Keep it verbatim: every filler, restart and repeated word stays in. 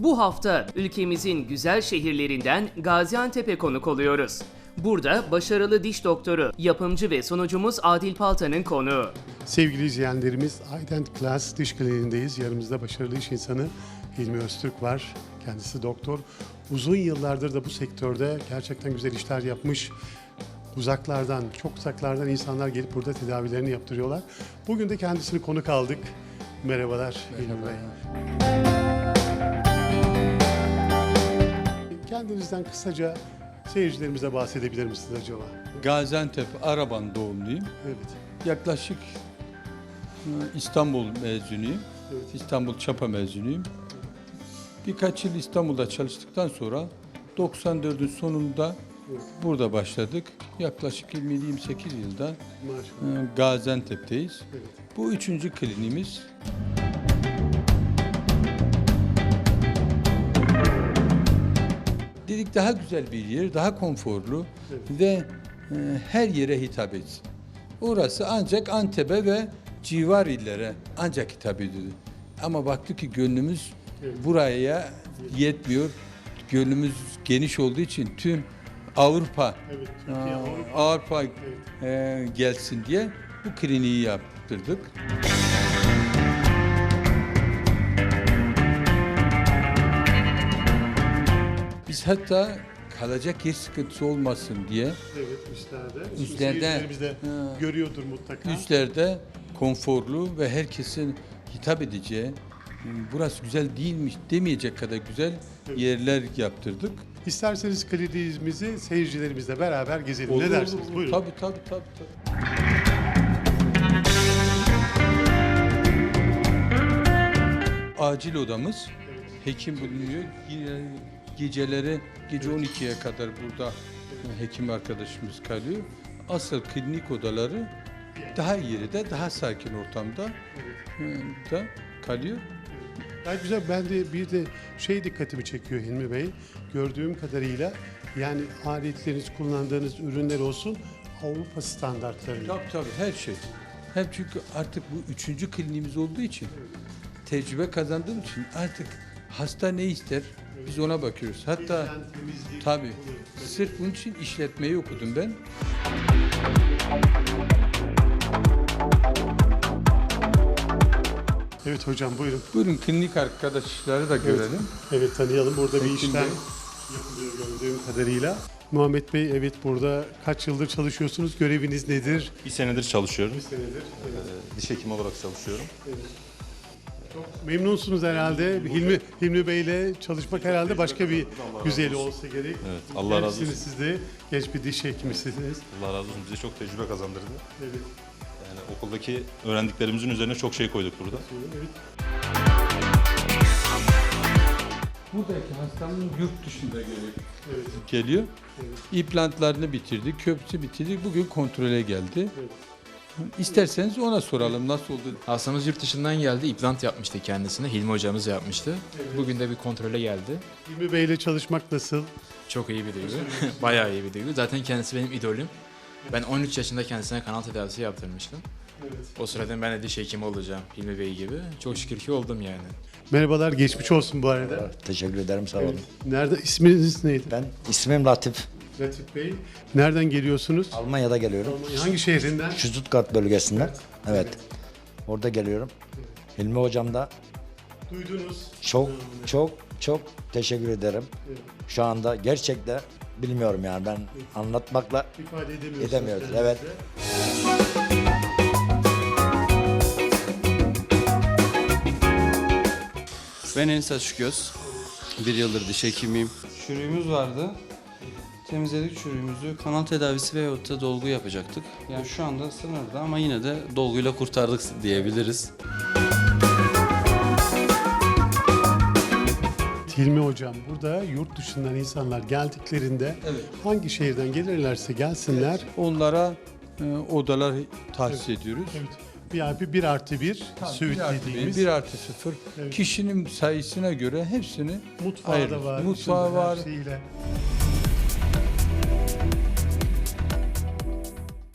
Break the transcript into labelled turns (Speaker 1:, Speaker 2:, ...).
Speaker 1: Bu hafta ülkemizin güzel şehirlerinden Gaziantep'e konuk oluyoruz. Burada başarılı diş doktoru, yapımcı ve sunucumuz Adil Palta'nın konuğu.
Speaker 2: Sevgili izleyenlerimiz, Ident Class Diş Kliniğindeyiz. Yanımızda başarılı iş insanı Hilmi Öztürk var. Kendisi doktor. Uzun yıllardır da bu sektörde gerçekten güzel işler yapmış. Uzaklardan, çok uzaklardan insanlar gelip burada tedavilerini yaptırıyorlar. Bugün de kendisini konuk aldık. Merhabalar Hilmi Bey. Kendinizden kısaca seyircilerimize bahsedebilir misiniz acaba?
Speaker 3: Gaziantep Araban doğumluyum.
Speaker 2: Evet.
Speaker 3: Yaklaşık e, İstanbul mezunuyum.
Speaker 2: Evet.
Speaker 3: İstanbul Çapa mezunuyum. Birkaç yıl İstanbul'da çalıştıktan sonra doksan dördün sonunda
Speaker 2: Evet.
Speaker 3: burada başladık. Yaklaşık yirmi yirmi sekiz yılda
Speaker 2: Maşallah.
Speaker 3: e, Gaziantep'teyiz.
Speaker 2: Evet.
Speaker 3: Bu üçüncü kliniğimiz. Dedik daha güzel bir yer, daha konforlu
Speaker 2: Evet.
Speaker 3: ve e, her yere hitap etsin. Orası ancak Antep'e ve civar illere ancak hitap ediyordu. Ama baktık ki gönlümüz
Speaker 2: Evet.
Speaker 3: buraya yetmiyor. Gönlümüz geniş olduğu için tüm Avrupa,
Speaker 2: Evet. Türkiye,
Speaker 3: Aa,
Speaker 2: Avrupa.
Speaker 3: Avrupa
Speaker 2: Evet.
Speaker 3: e, gelsin diye bu kliniği yaptırdık. Biz hatta kalacak yer sıkıntısı olmasın diye
Speaker 2: Evet, üstlerde. Şimdi
Speaker 3: Üstlerde,
Speaker 2: seyircilerimiz de
Speaker 3: ha.
Speaker 2: görüyordur mutlaka.
Speaker 3: üstlerde konforlu ve herkesin hitap edeceği, burası güzel değilmiş demeyecek kadar güzel
Speaker 2: Evet.
Speaker 3: yerler yaptırdık.
Speaker 2: İsterseniz kliniğimizi seyircilerimizle beraber gezelim.
Speaker 3: Olur,
Speaker 2: ne dersiniz?
Speaker 3: olur.
Speaker 2: Buyurun.
Speaker 3: Tabii tabii tabii. tabii. Acil odamız, hekim bulunuyor. Yine geceleri, gece on ikiye kadar burada hekim arkadaşımız kalıyor. Asıl klinik odaları daha iyi de, daha sakin ortamda e, da kalıyor.
Speaker 2: Gayet güzel. Ben de bir de şey dikkatimi çekiyor Hilmi Bey. Gördüğüm kadarıyla yani aletleriniz, kullandığınız ürünler olsun Avrupa standartlarında.
Speaker 3: Tabii tabii her şey. Hem çünkü artık bu üçüncü kliniğimiz olduğu için, tecrübe kazandığım için artık hasta ne ister biz ona bakıyoruz. Hatta
Speaker 2: Hijyen, temizlik,
Speaker 3: tabii
Speaker 2: bunu-
Speaker 3: sırf bunun için işletmeyi okudum ben.
Speaker 2: Evet hocam buyurun.
Speaker 3: Buyurun klinik arkadaşları da görelim.
Speaker 2: Evet tanıyalım. Burada bir
Speaker 3: Hekim
Speaker 2: işlem
Speaker 3: Bey.
Speaker 2: yapılıyor gördüğüm kadarıyla. Muhammed Bey evet burada kaç yıldır çalışıyorsunuz? Göreviniz nedir?
Speaker 4: Bir senedir çalışıyorum.
Speaker 2: Bir senedir. Evet.
Speaker 4: Ee, Diş hekimi olarak çalışıyorum.
Speaker 2: Memnunsunuz herhalde. Hilmi, Hilmi Bey'le çalışmak herhalde başka bir güzeli olsa gerek.
Speaker 4: Evet, Allah razı
Speaker 2: Gençsiniz
Speaker 4: olsun.
Speaker 2: siz de. Genç bir diş hekimisiniz.
Speaker 4: Allah razı olsun. Bize çok tecrübe kazandırdı.
Speaker 2: Evet.
Speaker 4: Yani okuldaki öğrendiklerimizin üzerine çok şey koyduk burada.
Speaker 2: Evet.
Speaker 3: Buradaki hastanın yurt dışında geliyor.
Speaker 2: Evet.
Speaker 3: geliyor.
Speaker 2: Evet.
Speaker 3: İmplantlarını bitirdik, köprüsü bitirdik. Bugün kontrole geldi.
Speaker 2: Evet.
Speaker 3: İsterseniz ona soralım nasıl oldu.
Speaker 5: Hastamız yurt dışından geldi. İplant yapmıştı kendisine. Hilmi hocamız yapmıştı. Bugün de bir kontrole geldi.
Speaker 2: Hilmi Bey'le çalışmak nasıl?
Speaker 5: Çok iyi bir duygu. Bayağı iyi bir duygu. Zaten kendisi benim idolüm. Ben on üç yaşında kendisine kanal tedavisi yaptırmıştım.
Speaker 2: Evet.
Speaker 5: O sırada ben de diş hekimi olacağım Hilmi Bey gibi. Çok şükür ki oldum yani.
Speaker 2: Merhabalar, geçmiş olsun bu arada.
Speaker 6: Teşekkür ederim, sağ olun.
Speaker 2: Evet. Nerede, isminiz neydi?
Speaker 6: Ben ismim Latif.
Speaker 2: Latif Bey. Nereden geliyorsunuz?
Speaker 6: Almanya'da geliyorum.
Speaker 2: Hangi şehrinden?
Speaker 6: Stuttgart bölgesinden. Evet. Orada geliyorum. Hilmi hocam da
Speaker 2: Duydunuz.
Speaker 6: çok çok çok teşekkür ederim. Şu anda gerçekten bilmiyorum yani ben anlatmakla
Speaker 2: İfade edemiyorsunuz.
Speaker 6: edemiyoruz.
Speaker 2: kendinizi.
Speaker 6: Evet.
Speaker 7: Ben Enis Açıkgöz. Bir yıldır diş hekimiyim. Çürüğümüz vardı. Temizledik çürüğümüzü. Kanal tedavisi veyahut da dolgu yapacaktık. Yani şu anda sınırda ama yine de dolguyla kurtardık diyebiliriz.
Speaker 2: Hilmi Hocam, burada yurt dışından insanlar geldiklerinde
Speaker 3: Evet.
Speaker 2: hangi şehirden gelirlerse gelsinler.
Speaker 3: Onlara e, odalar tahsis ediyoruz.
Speaker 2: Evet. V I P bir artı bir
Speaker 3: Tabii,
Speaker 2: suite
Speaker 3: bir artı bir,
Speaker 2: dediğimiz.
Speaker 3: bir artı sıfır.
Speaker 2: Evet.
Speaker 3: Kişinin sayısına göre hepsini
Speaker 2: Mutfağı
Speaker 3: ayırırız.
Speaker 2: da var.
Speaker 3: Mutfağı
Speaker 2: içinde her
Speaker 3: var.
Speaker 2: şeyiyle.